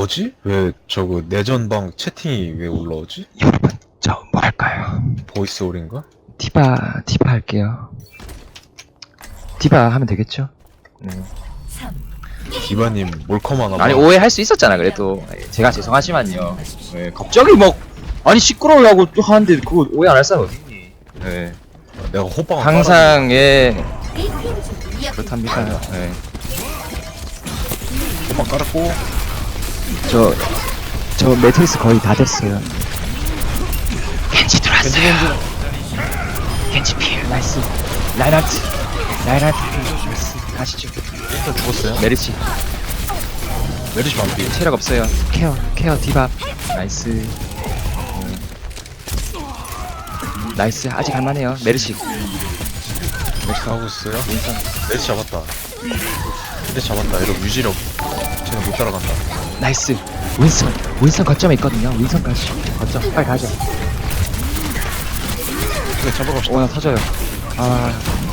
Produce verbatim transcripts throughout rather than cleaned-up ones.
뭐지? 왜 저거 내전방 채팅이 왜 올라오지? 여러분, 저 뭐 할까요? 보이스 올인가? 디바, 디바 할게요. 디바 하면 되겠죠? 네. 디바님 몰컴 하나 봐. 아니, 오해할 수 있었잖아, 그래도. 제가 죄송하지만요. 네, 갑자기 막, 아니, 시끄러우려고 또 하는데, 그거 오해 안 할 사람 어딨니? 네. 내가 호빵 항상, 예, 그렇답니다. 네. 호빵 깔았고 저, 저 매트리스 거의 다 됐어요. 겐지 들어왔어요. 겐지 필, 나이스. 라인하트, 라인하트 필, 나이스. 가시죠. 일단 죽었어요. 메르시, 메르시 반피. 체력 없어요. 케어, 케어, 디바. 나이스. 음. 나이스, 아직 할만해요. 메르시. 메르시 하고 있어요. 메르시 잡았다. 메르시 잡았다. 이러면 유지력 쟤는 못 따라간다. 나이스. 윈선, 윈선 거점에 있거든요. 윈선 가시. 거점, 빨리 가죠. 그래 잡으러 갑시다. 오, 나 터져요. 아.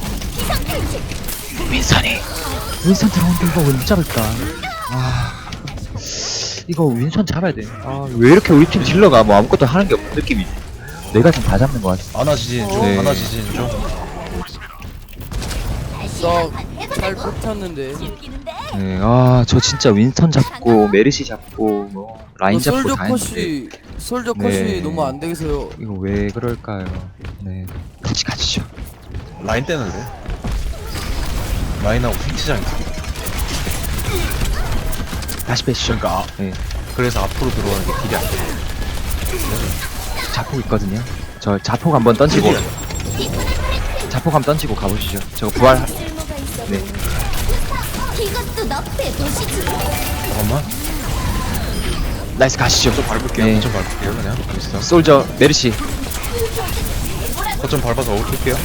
윈선이. 윈선 들어오는데 이거 왜 못 잡을까? 아. 이거 윈선 잡아야 돼. 아, 왜 이렇게 우리 팀 딜러가 뭐 아무것도 하는 게 없는 느낌이지? 내가 지금 다 잡는 것 같아. 아나 지진 중. 네. 아나 지진 중. 나잘 버텼는데. 네, 아, 저 진짜 윈선 잡고, 메르시 잡고, 뭐, 라인 잡고 솔저 다 했는데. 컷이 솔저 네. 컷이 너무 안 되겠어요. 이거 왜 그럴까요? 네. 같이 가시죠. 라인 떼는데. 라인하고 핑치장 있어. 다시 빼시죠. 그러니까 아, 네. 그래서 앞으로 들어오는 게 딜이 안 돼. 자폭 있거든요. 저 자폭 한번 던지고, 자폭 한번 던지고 가보시죠. 저거 부활, 네. 이것도 너의 도시지. 잠깐만. 나이스 가시죠. 좀 밟을게요. 네. 좀 밟을게요. 그냥. 있어. 솔저, 메르시. 거점 밟아서 올릴게요.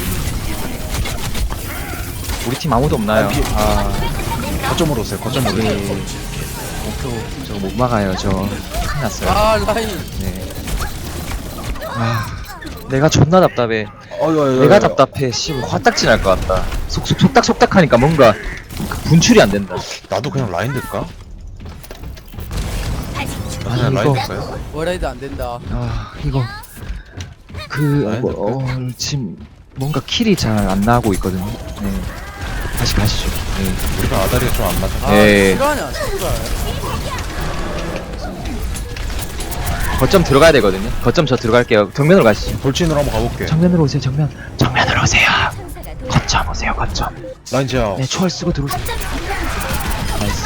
우리 팀 아무도 없나요? 아, 비- 아, 거점으로 오세요. 거점으로. 네. 목표 저거 못 막아요. 저 큰일 났어요. 아 라인. 네. 아, 내가 존나 답답해. 어유, 어유, 내가 어유. 답답해. 씨, 화딱지 날 것 같다. 속속 속닥 속닥 하니까 뭔가 그 분출이 안 된다. 나도 그냥 라인 될까? 나 아니, 그냥 라인 이거- 될까요? 워라이드 안 된다. 아, 이거 그 라인 뭐, 어, 지금 뭔가 킬이 잘 안 나고 있거든요. 네. 다시 가시죠. 네. 우리가 아다리가 좀 안 맞아. 아 네. 실화냐 실화. 거점 들어가야 되거든요. 거점 저 들어갈게요. 정면으로 가시죠. 돌진으로 한번 가볼게. 정면으로 오세요. 정면. 정면으로 오세요. 거점 오세요. 거점. 라인 제압. 네, 초월 쓰고 들어오세요. 나이스.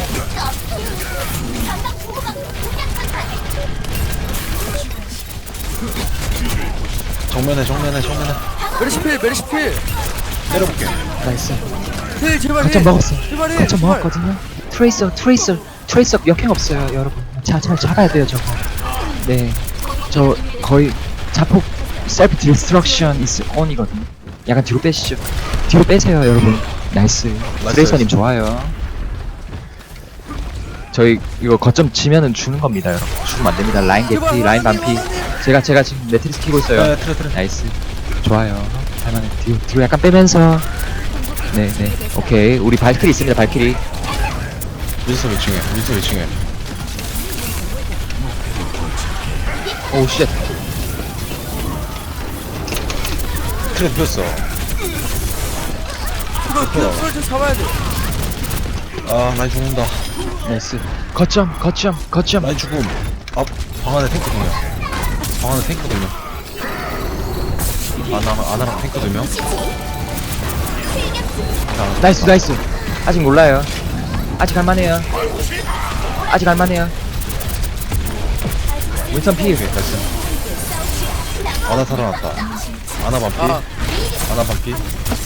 정면에 정면에 정면에. 메르시필 메르시필. 때려볼게. 나이스. 필 제발 거점 힐. 먹었어. 제발 힐. 거점 제발. 먹었거든요. 트레이서, 트레이서, 트레이서 역행 없어요, 여러분. 자, 잘 잡아야 돼요, 저거. 네, 저 거의 자폭 셀프 디스트럭션 is on이거든요. 약간 뒤로 빼시죠. 뒤로 빼세요, 여러분. 나이스. 트레이서님 좋아요. 저희 이거 거점 지면은 주는 겁니다, 여러분. 죽으면 안 됩니다. 라인 개피, 라인 반피. 제가 제가 지금 매트리스 키고 있어요. 네, 트레 트레. 나이스. 좋아요. 할만해. 뒤로, 뒤로 약간 빼면서. 네네. 오케이. 우리 발키리 있습니다. 발키리. 윈서 몇 층에? 윈서 몇 층에? 오 쉣. 트레 폈어. 이거 그 솔저 잡아야 돼. 아 라인 죽는다. 나이스. 거점, 거점, 거점. 라인 죽음. 아, 방 안에 탱크 두 명. 방 안에 탱크 두 명. 아나, 아나랑 탱크 두 명. 아, 나이스, 나이스. 아직 몰라요. 아직 할만해요. 아직 할만해요. 윈선 피. 오케이, 나이스. 아나 살아났다. 아나 반피. 아. 아나 반피.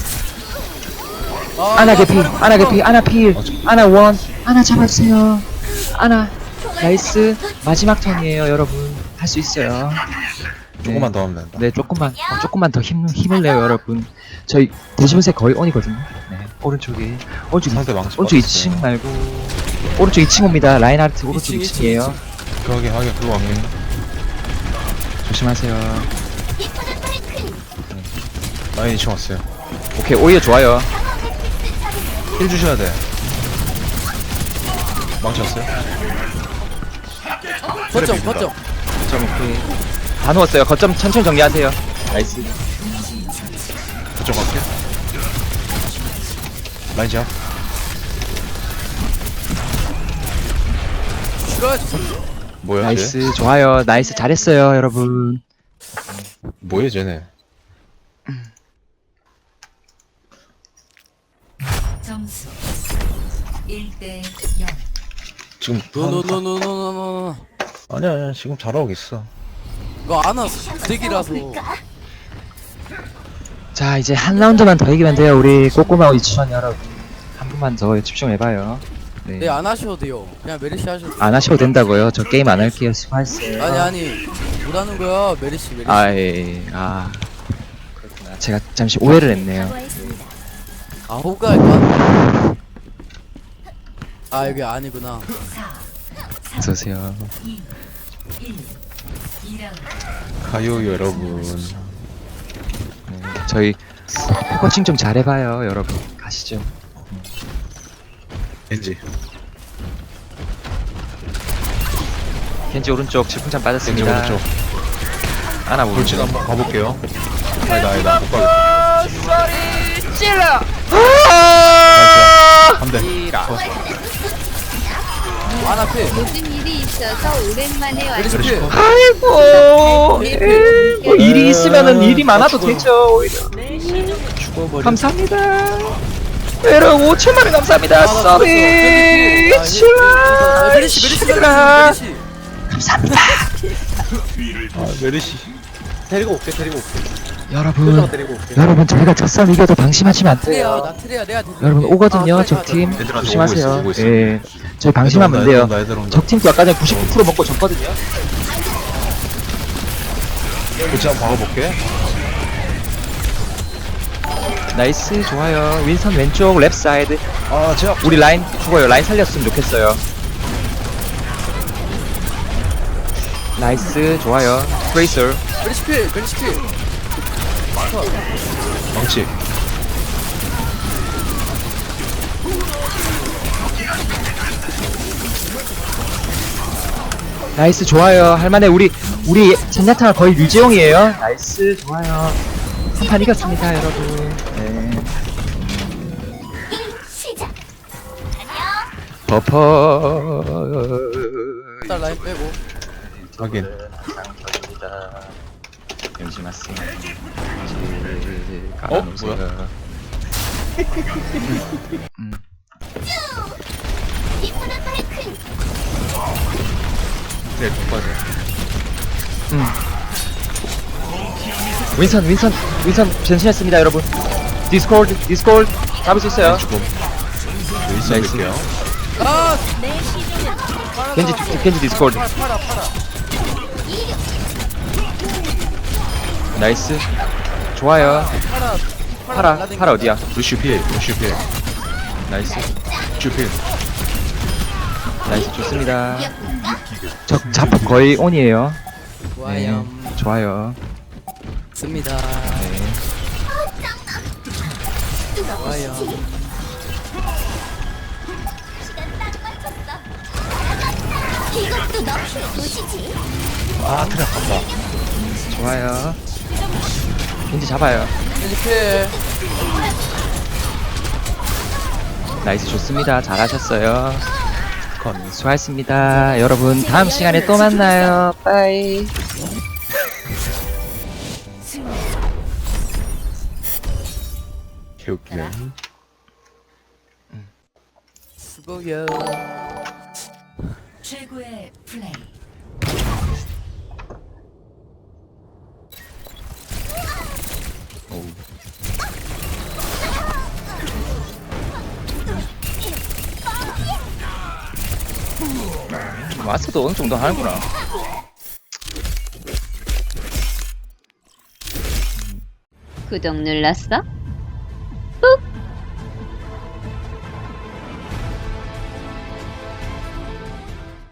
아, 아나 나 개피, 사람 아나 개피, 아나 필, 어, 저- 아나 원, 아나 잡았어요. 아나. 나이스. 마지막 턴이에요, 여러분. 할 수 있어요. 조금만 더 하면 된다. 네, 조금만, 어, 조금만 더 힘, 힘을 내요, 여러분. 저희 대시분세 거의 온이거든요. 네, 오른쪽에. 오른쪽, 상대 망치 오른쪽 빠졌어요. 이 층 말고. 오른쪽 이 층 옵니다. 라인하르트 오른쪽 이 이 층, 층이에요. 그러게 하게 그거 하게. 조심하세요. 라인 이 층 왔어요. 오케이, 오히려 좋아요. 힐 주셔야 돼. 망치 왔어요? 거점 비빈다. 거점. 거점 오케이. 다 누웠어요. 거점 천천히 정리하세요. 나이스. 그쪽 갈게. 라인 잡. 싫어야지. 뭐야 쟤? 나이스. 좋아요. 나이스. 잘했어요, 여러분. 뭐야 쟤네? 점수 일 대 영. 지금 노노노노노노노. 아니야 아니야 지금 잘하고 있어. 이거 안 왔어. 부대기라서. 자, 이제 한 라운드만 더 이기면 돼요. 우리 꼬꼬마 이치원 여러분. 한 분만 더 집중해봐요. 네. 네, 안 하셔도 돼요. 그냥 메리시 하셔도 돼요. 안 하셔도 된다고요. 저 게임 안 할게요. 수고하셨어요. 아니 아니 못 하는 거야. 메리시 메리시. 아, 예, 예. 아. 그렇구나. 제가 잠시 오해를 했네요. 사과했습니다. 아 호가일까? 아 여기 아니구나. 어서오세요. 이 일 이 라운드. 가요 여러분. 네, 저희 코칭 좀 잘해봐요, 여러분. 가시죠. 겐지. 켄지 오른쪽 질풍참 겐지 빠졌습니다. 오른쪽. 하나 오른쪽. 돌진 한번 가볼게요. 아니다 아니다 못 가겠다. 찔러! 나이스야. 한 대. 안 앞에. 무슨 일이 있어서 오랜만에 메리시 왔어요. 필. 아이고, 예. 뭐 일이 있으면은 일이 많아도 죽어요. 되죠, 오히려. 죽어버려. 감사합니다. 여러분, 오천만 원 감사합니다. 아, 서비! 아, 칠라! 메리시 메리시 칠라! 메리시. 감사합니다. 아 메르시. 데리고 올게 데리고 올게. 여러분, 데리고 올게. 여러분, 저희가 첫선 이겨도 방심하시면 안 트레야 돼요. 나 트레야 내가 데리고 여러분, 올게. 오거든요, 아, 적팀. 얘들아, 오고 조심하세요. 있어, 오고 있어. 예. 저희 방심하면 안 애들 돼요. 온다, 애들 온다. 적팀도 아까 전에 구십구 퍼센트 먹고 졌거든요. 그치 한번 박아볼게. 나이스, 좋아요. 윈선 왼쪽, 랩 사이드. 아 제압. 우리 라인 죽어요. 라인 살렸으면 좋겠어요. 나이스, 좋아요. 트레이서. 메리시 필 메리시 필. 망치. 나이스, 좋아요. 할만해. 우리, 우리 젠야탕 거의 류재용이에요. 나이스, 좋아요. 한 판 이겼습니다, 여러분. 네. 시작. 버퍼. 일단 라인 빼고. 확인. 잠시만요. 어? 뭐야? 음. 이쁘는 파이크. 네 똑바로. 음. 윈선, 윈선, 윈선 변신했습니다, 여러분. 디스코드, 디스코드 잡을 수 있어요. 죽음. 나이스. 여기 있을게요. 아 내 시종은 겐지, 겐지 디스코드. 팔아 팔아 팔아. 나이스. 좋아요. 팔아 파라, 날라댕겨. 파라 어디야? 루시 필. 루시 필. 나이스. 루시 필. 나이스, 좋습니다. 적 자폭 거의 온이에요. 좋아요. 네, 좋아요. 씁니다. 네. 좋아요. 시간 딱 맞췄어. 이것도 너의 도시지. 아 트랙 간다. 좋아요. 겐지 잡아요. 메리시 필. 나이스, 좋습니다. 잘하셨어요. 수고하셨습니다. 여러분, 다음 시간에 또 만나요. 빠이. 개웃기네. 수고요. 최고의 플레이. 오우. 마스도 어느 정도 하는구나. 구독 눌렀어?